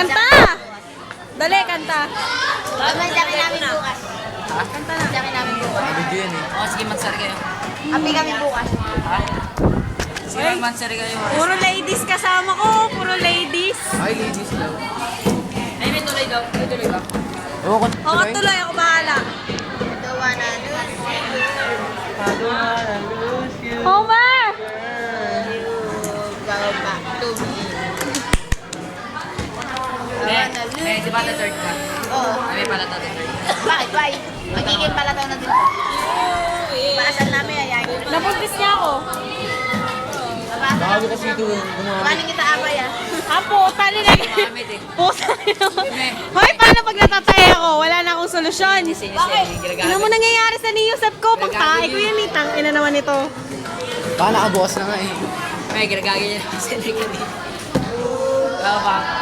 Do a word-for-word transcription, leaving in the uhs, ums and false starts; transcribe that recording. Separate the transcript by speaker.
Speaker 1: Kanta! Dali, kanta.
Speaker 2: Ang dami namin bukas.
Speaker 3: Ha?
Speaker 1: Kanta na.
Speaker 2: Ang dami namin bukas.
Speaker 3: Video yan eh.
Speaker 4: O, sige, magsari kayo.
Speaker 2: Api kami bukas.
Speaker 4: Ha? Sige, magsari kayo.
Speaker 1: Puro ladies kasama ko. Puro ladies.
Speaker 3: Ay, ladies daw.
Speaker 4: Ay, may tuloy daw. May tuloy ba?
Speaker 3: Oo, kung
Speaker 1: O, tuloy ako bahala.
Speaker 2: Dawa na doon.
Speaker 1: Homer!
Speaker 2: Go back to me.
Speaker 4: Eh, eh, di ba the third ka?
Speaker 2: Oo.
Speaker 4: Ay, may pala to, the third.
Speaker 2: Bakit? Why? Magiging pala tayo na din. Paasal namin ayayin.
Speaker 1: Nabuntis niya ako.
Speaker 3: bago kasi ito gumamit.
Speaker 2: Paano kita abay ah?
Speaker 1: Ah, puta nila.
Speaker 4: Makamit eh.
Speaker 1: Puta nila. Hoy, paano pag natatay ako? Wala na akong solusyon.
Speaker 4: Bakit?
Speaker 1: Ano mo nangyayari sa niyusap ko? Pagtae ko yan, itang ina naman ito.
Speaker 3: Baka nakabukas na nga eh.
Speaker 4: May ginagagay niya sa likod eh. Tama ba?